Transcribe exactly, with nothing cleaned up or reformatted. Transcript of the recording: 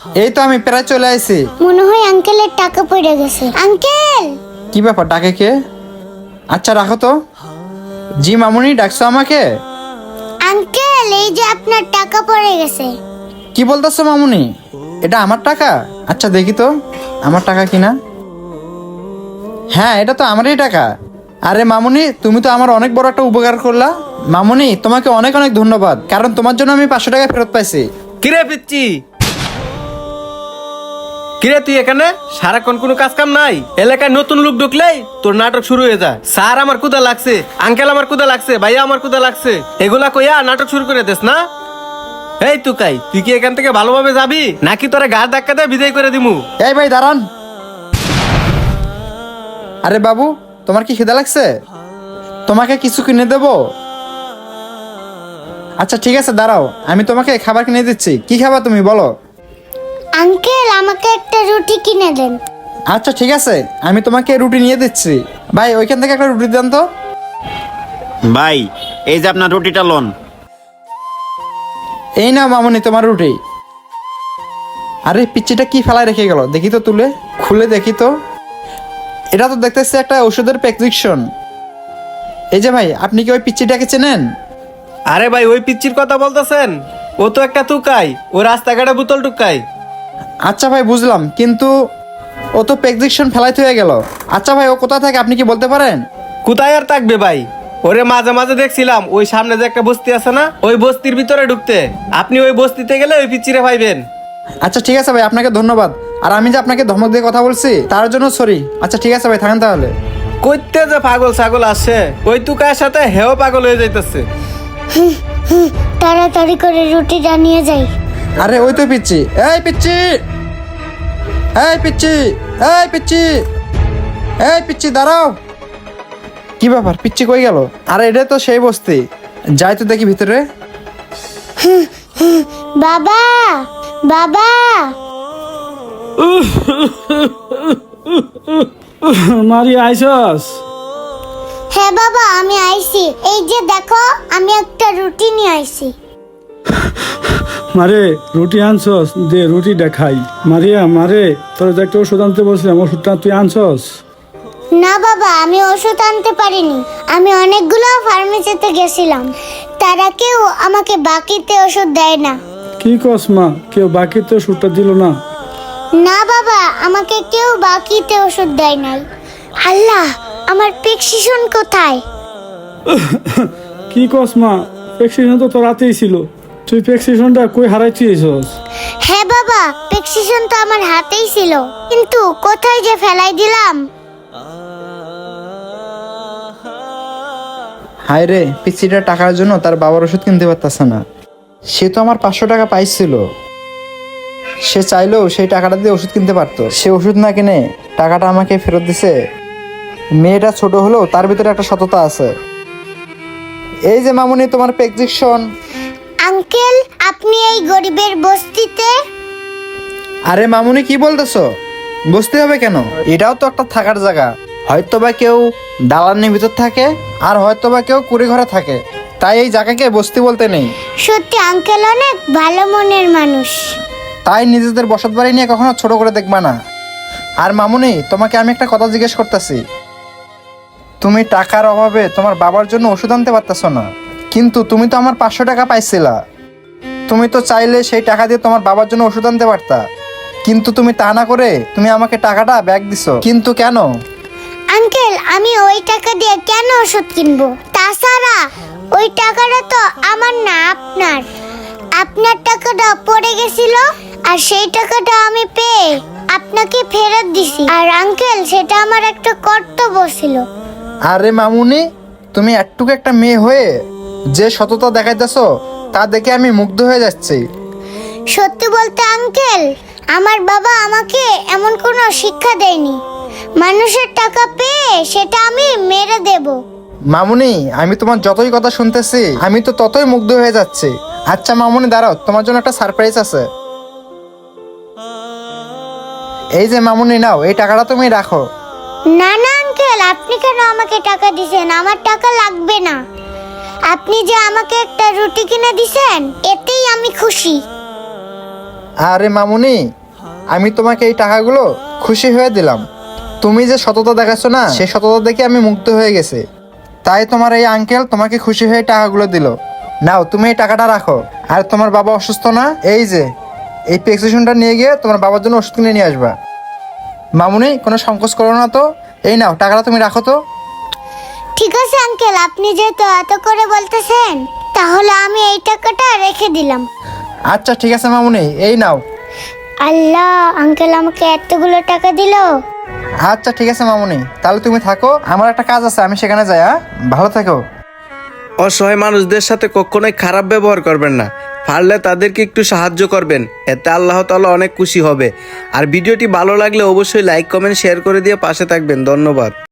এই তো আমি প্রায় চলে আসি। মনে হয় আঙ্কেলের টাকা পড়ে গেছে। আঙ্কেল, কি ব্যাপার, ডাকে কে? আচ্ছা রাখো তো। জি মামুনি, ডাকছো আমাকে? আঙ্কেল এই যে আপনার টাকা পড়ে গেছে। কি বলতেছো মামুনি? এটা আমার টাকা? আচ্ছা দেখি তো আমার টাকা কিনা। হ্যাঁ, এটা তো আমারই টাকা। আরে মামুনি, তুমি তো আমার অনেক বড় একটা উপকার করলা। মামুনি, তোমাকে অনেক অনেক ধন্যবাদ, কারণ তোমার জন্য আমি পাঁচশো টাকা ফেরত পাইছি। কিরে পিচ্ছি, কিরে তুই এখানে সারাক্ষণ কোনো কাজ কাম নাই? এলাকায় নতুন লোক ঢুকলেই তোর নাটক শুরু হয়ে যায়। স্যার আমার কুদা লাগছে, আঙ্কেল আমার কুদা লাগছে, ভাইয়া আমার কুদা লাগছে, এগুলা কইয়া নাটক শুরু করে দিস না। এই তুকাই, তুই কি এখান থেকে ভালোভাবে যাবি নাকি তোরা গা ধাক্কা দিয়ে বিদায় করে দিমু? এই ভাই দাঁড়ান। আরে বাবু, তোমার কি খিদা লাগছে? তোমাকে কিছু কিনে দেবো? আচ্ছা ঠিক আছে, দাঁড়াও, আমি তোমাকে খাবার কিনে দিচ্ছি। কি খাবার তুমি বলো? আঙ্কেল আমাকে একটা রুটি কিনে দেন। আচ্ছা ঠিক আছে, আমি তোমাকে রুটি নিয়ে দিচ্ছি। ভাই ওইখান থেকে একটা রুটি দেন তো। ভাই, এই যে আপনার রুটিটা লোন। এই নাও মামুনি তোমার রুটি। আরে পিচ্চিটা কি ফেলায় রেখে গেল, দেখি তো, তুলে খুলে দেখি তো। এটা তো দেখতেছি একটা ওষুধের প্রেসক্রিপশন। এই যে ভাই, আপনি কি ওই পিচ্চিটাকে চেনেন? আরে ভাই, ওই পিচ্চির কথা বলতেছেন? ও তো একটা তুকাই, ও রাস্তাঘাটে বোতল টুকাই। আচ্ছা ভাই বুঝলাম, কিন্তু ও তো প্রেসক্রিপশন ফেলাইতে হয়ে গেল। আচ্ছা ভাই, ও কোথায় থাকে আপনি কি বলতে পারেন? কোথায় আর থাকবে ভাই, ওরে মাঝে মাঝে দেখছিলাম ওই সামনে যে একটা বস্তি আছে না, ওই বস্তির ভিতরে ঢুকতে। আপনি ওই বস্তিতে গেলে ওই পিচ্চিরে পাইবেন। আচ্ছা ঠিক আছে ভাই, আপনাকে ধন্যবাদ। আর আমি যে আপনাকে ধমক দিয়ে কথা বলছি তার জন্য সরি। আচ্ছা ঠিক আছে ভাই, থাকেন তাহলে। কইতে যে পাগল ছাগল আসে, ওই তুকার সাথে হেও পাগল হয়ে যাইতেছে। তাড়াতাড়ি করে রুটিটা নিয়ে যাই। আরে ওই তো পিচ্ছি। এই পিচ্ছি, এই পিচ্ছি, এই পিচ্ছি, এই পিচ্ছি দাঁড়াও। কি ব্যাপার, পিচ্ছি কই গেল? আরে এটা তো সেই বস্তি, যাই তো দেখি ভিতরে। বাবা, বাবা, মারি আইসস? হ্যাঁ বাবা আমি আইছি। এই যে দেখো, আমি একটা রুটি নিয়ে আইছি। মারে রুটি আনছস? দে রুটি দেখাই। মারিয়া মারে, তোর যে একটা ওষুধ আনতে বলছিলাম, ওষুধটা তুই আনছস? না বাবা, আমি ওষুধ আনতে পারিনি। আমি অনেকগুলো ফার্মেসিতে গেছিলাম, তারা কেউ আমাকে বাকিতে ওষুধ দেয় না। কি কস মা, কেউ বাকিতে ওষুধটা দিল না? না বাবা, আমাকে কেউ বাকিতে ওষুধ দেয় নাই। আল্লাহ, আমার প্রেসক্রিপশন কোথায়? কি কস মা, প্রেসক্রিপশন তো তোর রাতেই ছিল, তুই প্রেসক্রিপশনটা কই হারাইছিস? হ্যাঁ বাবা, প্রেসক্রিপশন তো আমার হাতেই ছিল, কিন্তু কোথায় যে ফেলাই দিলাম। হায় রে, পিচ্ছিটা টাকার জন্য তার বাবার ওষুধ কিনতে পারতেছে না। সে তো আমার পাঁচশো টাকা পাইছিল, সে চাইলেও সেই টাকাটা দিয়ে ওষুধ কিনতে পারতো। সে ওষুধ না কিনে টাকাটা আমাকে ফেরত দিছে। মেয়েটা ছোট হলেও তার ভিতরে একটা সততা আছে। এই যে মামুনি, তোমার প্রেসক্রিপশন। আঙ্কেল, আপনি এই গরিবের বস্তিতে? আরে মামুনি, কি বলতেছো? বসতে হবে কেন? এটাও তো একটা থাকার জায়গা। হয়তো বা কেউ দালানের ভিতর থাকে, আর হয়তো বা কেউ কুড়ি ঘরে থাকে, তাই এই জায়গাকে বস্তি বলতে নেই। সত্যি আঙ্কেল অনেক ভালো মনের মানুষ। তাই নিজেদের বসত বাড়ি নিয়ে কখনো ছোট করে দেখবা না। আর মামুনি, তোমাকে আমি একটা কথা জিজ্ঞেস করতেছি। তুমি টাকার অভাবে তোমার বাবার জন্য ওষুধ আনতে পারতেছো না, কিন্তু তুমি তো আমার পাঁচশো টাকা পাইছিলা। তুমি তো চাইলে সেই টাকা দিয়ে তোমার বাবার জন্য ওষুধ আনতে পারতা, কিন্তু তুমি তা না করে তুমি আমাকে টাকাটা ব্যাক দিছো। কিন্তু কেন? আঙ্কেল, আমি ওই টাকা দিয়ে কেন ওষুধ কিনবো? তাছাড়া ওই টাকাটা তো আমার না, আপনার। আপনার টাকাটা পড়ে গেছিল, আর সেই টাকাটা আমি পেয়ে আপনাকে ফেরত দিছি। আর আঙ্কেল, সেটা আমার একটা কর্তব্য ছিল। আরে মামুনি, তুমি একটুকু একটা মেয়ে হয়ে যে সততা দেখাইতেছো তা দেখে আমি মুগ্ধ হয়ে যাচ্ছি। সত্যি বলতে আঙ্কেল, আমার বাবা আমাকে এমন কোনো শিক্ষা দেয়নি। মানুষের টাকা পেয়ে সেটা আমি মেরে দেব। মামুনি, আমি তোমার যতই কথা শুনতেছি আমি তো ততই মুগ্ধ হয়ে যাচ্ছি। আচ্ছা মামুনি দাঁড়াও, তোমার জন্য একটা সারপ্রাইজ আছে। এই যে মামুনি, নাও, এই টাকাটা তুমি রাখো। না না আঙ্কেল, আপনি কেন আমাকে টাকা দিছেন? আমার টাকা লাগবে না। আপনি যে আমাকে একটা রুটি কিনে দিছেন, এতেই আমি খুশি। আরে মামুনি, আমি তোমাকে এই টাকাগুলো খুশি হয়ে দিলাম। তুমি যে সততা দেখাচ্ছ না, সেই সততা দেখে আমি মুগ্ধ হয়ে গেছে। তাই তোমার এই আঙ্কেল তোমাকে খুশি হয়ে টাকাগুলো দিল। নাও, তুমি এই টাকাটা রাখো। আর তোমার বাবা অসুস্থ না, এই যে এই প্রেসক্রিপশনটা নিয়ে গিয়ে তোমার বাবার জন্য ওষুধ কিনে নিয়ে আসবা। মামুনি, কোনো সংকোচ করো না তো। এই নাও, টাকাটা তুমি রাখো তো। ঠিক আছে আঙ্কেল, আপনি যেহেতু এত করে বলতেছেন, তাহলে আমি এই টাকাটা রেখে দিলাম। আচ্ছা ঠিক আছে মামুনি, এই নাও। আল্লাহ, আঙ্কেল আমাকে এতগুলো টাকা দিল। আচ্ছা ঠিক আছে মামুনি, তাহলে তুমি থাকো, আমার একটা কাজ আছে, আমি সেখানে যাই। হ্যাঁ, ভালো থেকো। অসহায় মানুষদের সাথে কখনোই খারাপ ব্যবহার করবেন না। পারলে তাদেরকে একটু সাহায্য করবেন, এতে আল্লাহ তাআলা অনেক খুশি হবে। আর ভিডিওটি ভালো লাগলে অবশ্যই লাইক কমেন্ট শেয়ার করে দিয়ে পাশে থাকবেন। ধন্যবাদ।